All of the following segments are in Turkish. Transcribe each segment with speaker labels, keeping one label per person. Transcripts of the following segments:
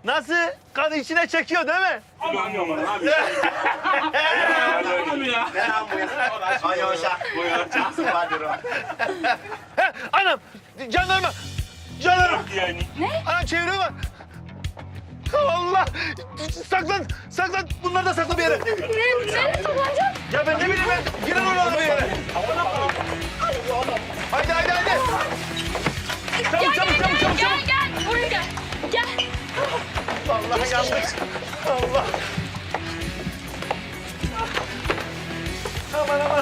Speaker 1: Nasıl? Kan içine çekiyor değil mi?
Speaker 2: Aman aman abi. Aman ya.
Speaker 1: Anam! Jandarma! Jandarma!
Speaker 2: Yani.
Speaker 1: Anam çeviriyor bak. Allah! Saklan! Saklan! Bunları da sakla bir yere.
Speaker 3: Nereye saklanacağım?
Speaker 1: Ya ben ne bileyim ben. Girer oralara bir yere. Haydi haydi haydi. Çabuk çabuk çabuk çabuk.
Speaker 3: Gel. Buraya gel. Gel.
Speaker 1: Vallahi yandık. Allah. Aman aman.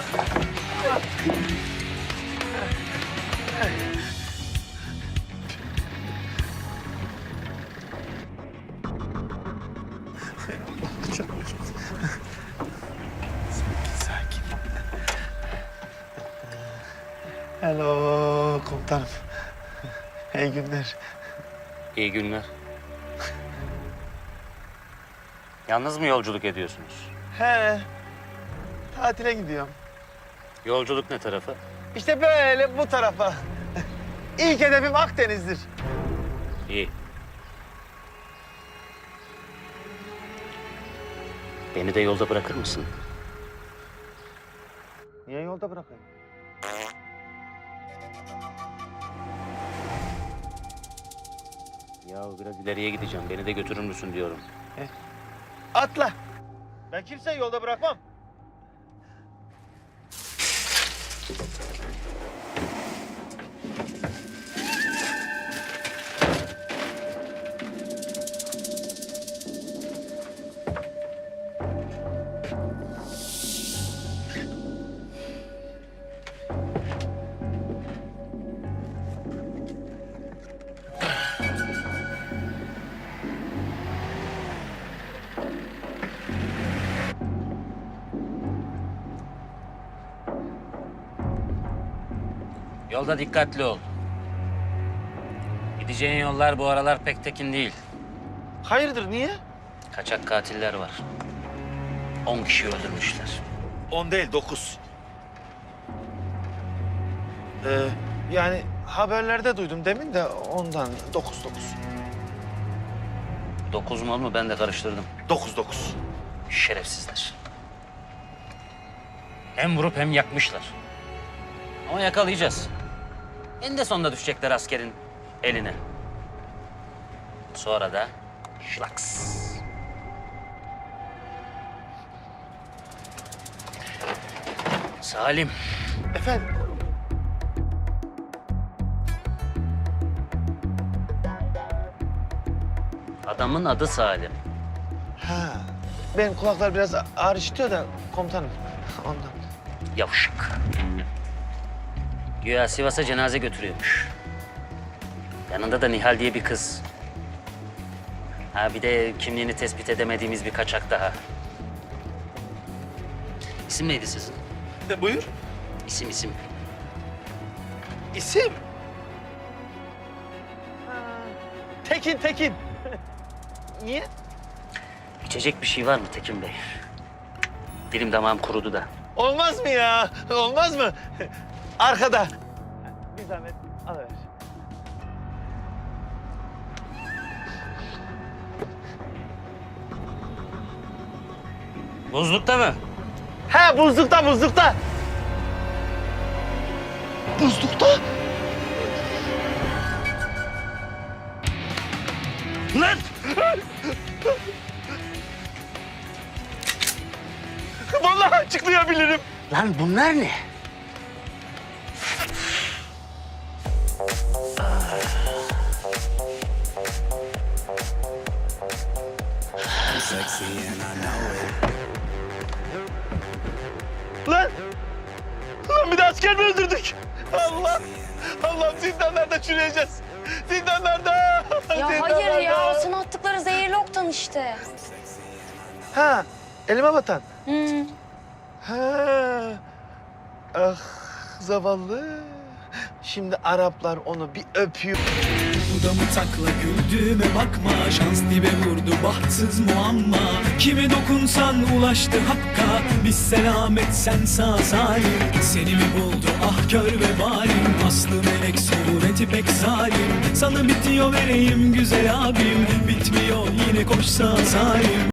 Speaker 1: Sakin. Hello komutanım. İyi günler.
Speaker 4: İyi günler. Yalnız mı yolculuk ediyorsunuz?
Speaker 1: He. Tatile gidiyorum.
Speaker 4: Yolculuk ne tarafa?
Speaker 1: İşte böyle bu tarafa. İlk hedefim Akdeniz'dir.
Speaker 4: İyi. Beni de yolda bırakır mısın?
Speaker 1: Niye yolda bırakayım?
Speaker 4: Ya biraz ileriye gideceğim. Beni de götürür müsün diyorum.
Speaker 1: Atla. Ben kimseyi yolda bırakmam.
Speaker 4: Yolda dikkatli ol. Gideceğin yollar bu aralar pek tekin değil.
Speaker 1: Hayırdır niye?
Speaker 4: Kaçak katiller var. 10 kişi öldürmüşler.
Speaker 1: 10 değil 9. Yani haberlerde duydum demin de ondan 9.
Speaker 4: 9 mu 10 mu ben de karıştırdım.
Speaker 1: 9.
Speaker 4: Şerefsizler. Hem vurup hem yakmışlar. Ama yakalayacağız. En sonunda düşecekler askerin eline. Sonra da şlaks. Salim,
Speaker 1: Efendim?
Speaker 4: adamın adı Salim.
Speaker 1: Ha. Benim kulaklar biraz ağır işitiyor da komutanım. Ondan.
Speaker 4: Yavşak. Güya Sivas'a cenaze götürüyormuş. Yanında da Nihal diye bir kız. Ha bir de kimliğini tespit edemediğimiz bir kaçak daha. İsim neydi sizin?
Speaker 1: Buyur.
Speaker 4: İsim.
Speaker 1: İsim? Tekin. Niye?
Speaker 4: İçecek bir şey var mı Tekin Bey? Dilim damağım kurudu da.
Speaker 1: Olmaz mı ya? Olmaz mı? Arkada. Bir zahmet alıver.
Speaker 4: Buzlukta mı?
Speaker 1: He buzlukta. Buzlukta.
Speaker 4: Lan!
Speaker 1: Vallahi açıklayabilirim.
Speaker 4: Lan bunlar ne?
Speaker 1: Lan bir de asker mi öldürdük? Allah'ım zindanlarda çürüyeceğiz. Zindanlarda.
Speaker 3: Ya hayır ya. O sana attıkları zehirli oktan işte.
Speaker 1: Ha elime batan.
Speaker 3: Hı.
Speaker 1: Ha. Ah zavallı. Şimdi Araplar onu bir öpüyor.
Speaker 5: Dudamı takla güldüğüme bakma. Şans dibe vurdu bahtsız muamma. Kime dokunsan ulaştı hakka. Biz selamet sen sağ salim. Seni mi buldu ah kör ve balim. Aslı melek sureti pek zalim. Sana bitiyor vereyim güzel abim. Bitmiyor peşine koşsa salim.